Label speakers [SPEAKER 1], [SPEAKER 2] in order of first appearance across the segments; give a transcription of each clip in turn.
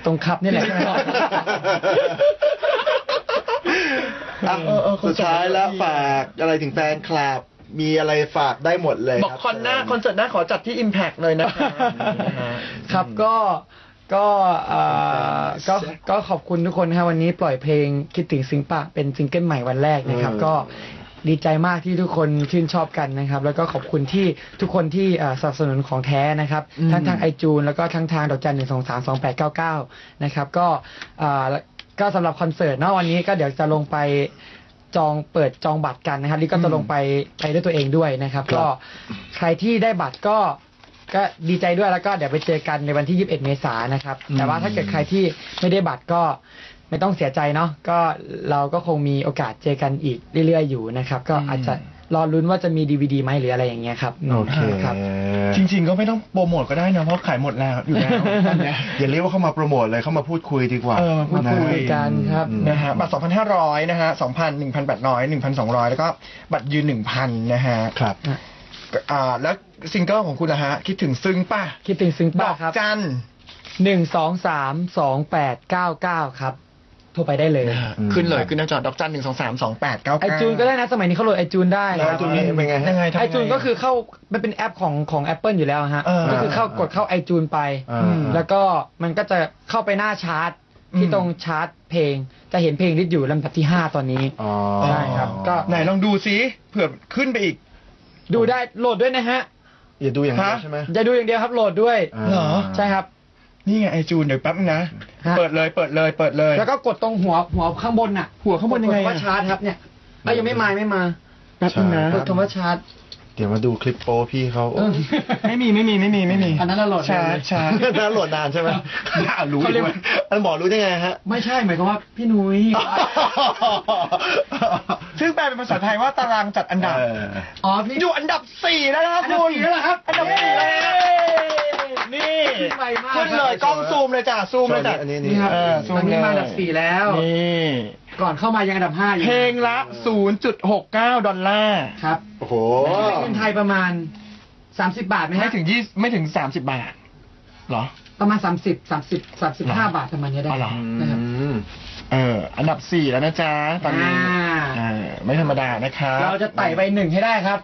[SPEAKER 1] ตรงคับนี่แหละ
[SPEAKER 2] สุดท้ายแล้วฝากอะไรถึงแฟนคลับมีอะไรฝากได้หมดเลย
[SPEAKER 3] บอกคอนเสิร์ตหน้าขอจัดที่ Impact เลยนะครับ
[SPEAKER 1] ก็ขอบคุณทุกคนนะครับวันนี้ปล่อยเพลงคิดถึงซิงปะเป็นซิงเกิลใหม่วันแรกนะครับก็ดีใจมากที่ทุกคนชื่นชอบกันนะครับแล้วก็ขอบคุณที่ทุกคนที่สนับสนุนของแท้นะครับทั้งทางiTunesแล้วก็ทั้งทางดอกจัน1232899นะครับก็สำหรับคอนเสิร์ตเนาะวันนี้ก็เดี๋ยวจะลงไปเปิดจองบัตรกันนะครับนี่ก็จะลงไปด้วยตัวเองด้วยนะครับก็ใครที่ได้บัตรก็ดีใจด้วยแล้วก็เดี๋ยวไปเจอกันในวันที่21 เมษายนนะครับแต่ว่าถ้าเกิดใครที่ไม่ได้บัตรก็ไม่ต้องเสียใจเนาะก็เราก็คงมีโอกาสเจอกันอีกเรื่อยๆอยู่นะครับก็อาจจะรอลุ้นว่าจะมี DVD ไหมหรืออะไรอย่างเงี้ยครับ
[SPEAKER 2] โอเค
[SPEAKER 1] ครับ
[SPEAKER 3] จริงๆก็ไม่ต้องโปรโมทก็ได้นะเพราะขายหมดแล้วอยู่แล้ว
[SPEAKER 2] อย่าเรียกว่าเข้ามาโปรโมทเลยเข้ามาพูดคุยดีกว่า
[SPEAKER 1] พูดคุยกันครับ
[SPEAKER 3] นะฮะบัตร 2,500 นะฮะ 2,000 1,800 1,200 แล้วก็บัตรยืน 1,000 นะฮะ
[SPEAKER 2] ครับ
[SPEAKER 3] แล้วซิงเกิลของคุณล่ะฮะคิดถึงซึ้งป่ะ
[SPEAKER 1] คิดถึงซึ้งป่ะครับ
[SPEAKER 3] จัน
[SPEAKER 1] 1232899ครับโทรไปได้เลย
[SPEAKER 3] ขึ้นเลยขึ้นหน้าจอดอกจัน1232899
[SPEAKER 1] ไอจูนก็ได้นะสมัยนี้เขาโหลดไอจูนได้
[SPEAKER 2] ไอจูนเป็นไง
[SPEAKER 1] ไอจูนก็คือเข้ามันเป็นแอปของ Apple อยู่แล้วฮะก็คือกดเข้าไอจูนไปแล้วก็มันก็จะเข้าไปหน้าชาร์ตที่ตรงชาร์ตเพลงจะเห็นเพลงที่อยู่ลำดับที่5ตอนนี้ใช่ครับก็
[SPEAKER 3] ไหนลองดูซิเผื่อขึ้นไปอีก
[SPEAKER 1] ดูได้โหลดด้วยนะฮะ
[SPEAKER 2] อย่าดูอย่างเดียวใช่ไหม
[SPEAKER 1] อย่าดูอย่างเดียวครับโหลดด้วย
[SPEAKER 3] เหรอ
[SPEAKER 1] ใช่ครับ
[SPEAKER 3] นี่ไงไอจูนเดี๋ยวแป๊บนึงนะเปิดเลย
[SPEAKER 1] แล้วก็กดตรงหัวข้างบนน่ะ
[SPEAKER 3] หัวข้างบนยังไง
[SPEAKER 1] ว่าชาร์ตครับเนี่ยยังไม่มา
[SPEAKER 3] แป๊บนึงนะ
[SPEAKER 1] กดคำว่าชาร์ต
[SPEAKER 2] เดี๋ยวมาดูคลิปโป้พี่เขา
[SPEAKER 3] ไม่มี
[SPEAKER 1] อันนั้นเราโหลด
[SPEAKER 3] ช้า
[SPEAKER 2] น่าโหลดนานใช่ไหมรู้ด้วยอันหมอรู้ได้ไงฮะ
[SPEAKER 1] ไม่ใช่หมายความว่าพี่นุ้ย
[SPEAKER 3] ซึ่งแปลเป็นภาษาไทยว่าตารางจัดอันดับพี่อยู่อันดับ4แล้วนะครับคุณอันดับ4แล้วนี่ขึ้นเลยกล้องซูมเลยจ้ะซูมเลยจ้ะ
[SPEAKER 1] นี่ครับตอนนี้มาอันดับ4แล้ว
[SPEAKER 3] นี่
[SPEAKER 1] ก่อนเข้ามายังอันดับ5อยู่
[SPEAKER 3] เพลงละ $0.69
[SPEAKER 1] ครับ
[SPEAKER 2] โอ้โห
[SPEAKER 1] เงินไทยประมาณ30 บาทไหมฮะ
[SPEAKER 3] ไม่ถึง30 บาทเหรอ
[SPEAKER 1] ประมาณ35 บาทประมาณนี้ได้
[SPEAKER 3] นะครับอันดับ4แล้วนะจ๊ะตอนนี้ไม่ธรรมดานะครับ
[SPEAKER 1] เราจะไต่ไป1ให้ได้ครับ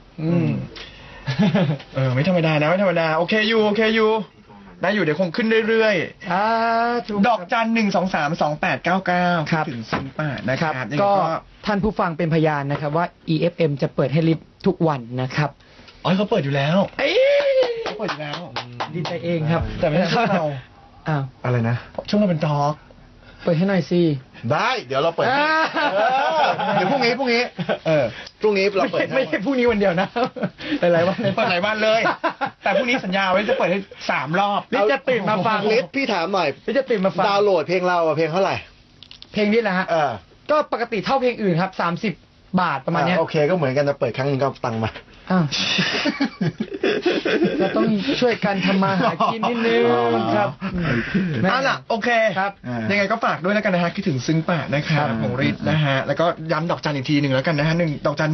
[SPEAKER 3] ไม่ธรรมดานะไม่ธรรมดาโอเคอยู่ได้อยู่เดี๋ยวคงขึ้นเรื่อยๆดอกจัน1232899
[SPEAKER 1] ครับ
[SPEAKER 3] ถึงซิงป้านะครับ
[SPEAKER 1] ก็ท่านผู้ฟังเป็นพยานนะครับว่า EFM จะเปิดให้ลิฟทุกวันนะครับ
[SPEAKER 3] เขาเปิดอยู่แล้วเขาเปิดอยู่แล้ว
[SPEAKER 1] ดีใจเองครับ
[SPEAKER 3] แต่ไม่ใช่ช่วงเรา
[SPEAKER 2] อะไรนะ
[SPEAKER 3] ช่วงเราเป็นทอล์ก
[SPEAKER 1] เปิดให้หน่อยสิ
[SPEAKER 2] ได้เดี๋ยวเราเปิดเดี๋ยวพรุ่งนี้พรุ่งนี้เราเปิด
[SPEAKER 1] ไม่ใช่พรุ่งนี้วันเดียวนะหลายวัน
[SPEAKER 3] เปิดหลายวันเลยแต่พรุ่งนี้สัญญาไว้จะเปิดให้3 รอบ
[SPEAKER 1] นี่จะตื่นมาฟัง
[SPEAKER 2] ลิสพี่ถามหน่อย
[SPEAKER 1] นี่จะตื่นมาฟัง
[SPEAKER 2] ดาวน์โหลดเพลงเราเพลงเท่าไหร่
[SPEAKER 1] เพลงนี้แหละฮะก็ปกติเท่าเพลงอื่นครับ30 บาทประมาณนี้
[SPEAKER 2] โอเคก็เหมือนกันจะเปิดครั้งนึงก็ตังค์มา
[SPEAKER 1] เราต้องช่วยกันทำมาหากินนิดนึงครับ
[SPEAKER 3] ล่ะโอเค
[SPEAKER 1] ครับ
[SPEAKER 3] ยังไงก็ฝากด้วยแล้วกันนะฮะคิดถึงซึ้งป่ะนะครับของฤทธิ์นะฮะแล้วก็ย้ำดอกจันอีกทีหนึ่งแล้วกันนะฮะดอกจัน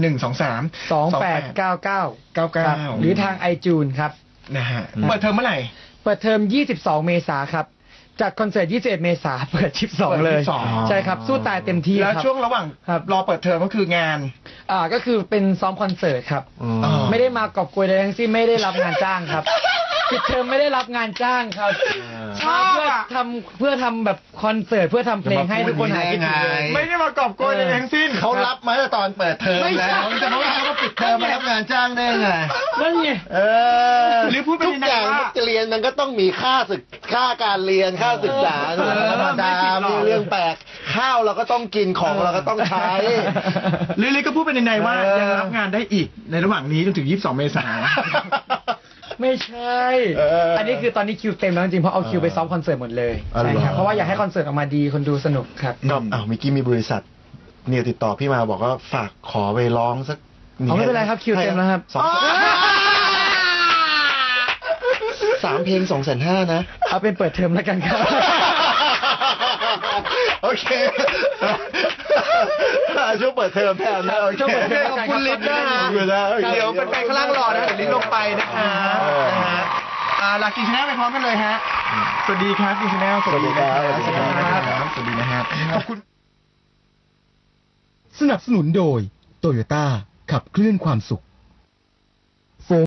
[SPEAKER 1] 1232899หรือทาง iTunes ครับ
[SPEAKER 3] นะฮะเปิดเทอมเมื่อไหร่
[SPEAKER 1] เปิดเทอม22 เมษายนครับจากคอนเสิร์ต21 เมษายนเปิด12เลยใช่ครับสู้ตายเต็มที่
[SPEAKER 3] แล้วช่วงระหว่างรอเปิดเทอมก็คืองาน
[SPEAKER 1] ก็คือเป็นซ้อมคอนเสิร์ตครับไม่ได้มากอบโกยใดทั้งสิ้นไม่ได้รับงานจ้างครับปิดเทอมไม่ได้รับงานจ้างครับเพื่อทำแบบคอนเสิร์ตเพื่อทำเพลงให้ทุกคนหายคิดถึง
[SPEAKER 3] ไม่ได้มากอบโกยใดทั้งสิ้น
[SPEAKER 2] เขารับมาตอนเปิดเทอมแล้วจะมาว่าเขาปิดเทอมมารับงานจ้างได้ไง
[SPEAKER 1] นั่นไง
[SPEAKER 3] หรือพูดไป
[SPEAKER 2] ทุกอย่างจะเรียนมันก็ต้องมีค่าการเรียนค่าศึกษาธรรมดามีเรื่องแปลกข้าวเราก็ต้องกินของเราก็ต้องใช้
[SPEAKER 3] หรือก็พูดไปในว่ายังรับงานได้อีกในระหว่างนี้จนถึง22 เมษายน
[SPEAKER 1] ไม่ใช่อันนี้คือตอนนี้คิวเต็มแล้วจริงเพราะเอาคิวไปซ้อมคอนเสิร์ตหมดเลยใช่ครับเพราะว่าอยากให้คอนเสิร์ตออกมาดีคนดูสนุกครับ
[SPEAKER 2] ก็เมื่อกี้มีบริษัทเนี่ยติดต่อพี่มาบอกว่าฝากขอไปร้องสัก
[SPEAKER 1] ไม่เป็นไรครับคิวเต็มแล้วครับ
[SPEAKER 2] 3 เพลง 250,000 นะ
[SPEAKER 1] เอาเป็นเปิดเทอมแล้วกันครับ
[SPEAKER 2] โอเคช่วงเปิดเทอมแทนนะ
[SPEAKER 3] ช่วงเปิดเทอมขอบคุณลิศนะฮะเดี๋ยวเป็นแฟนข้างล่างรอนะเดี๋ยวลิศลงไปนะคะลากินชาแนลไปพร้อมกันเลยฮะสวัสดีครับกินชาแนลสวัสดีครับสวัสดีครับสวัสดีนะฮะขอบคุณ
[SPEAKER 4] สนับสนุนโดยโตโยต้าขับเคลื่อนความสุข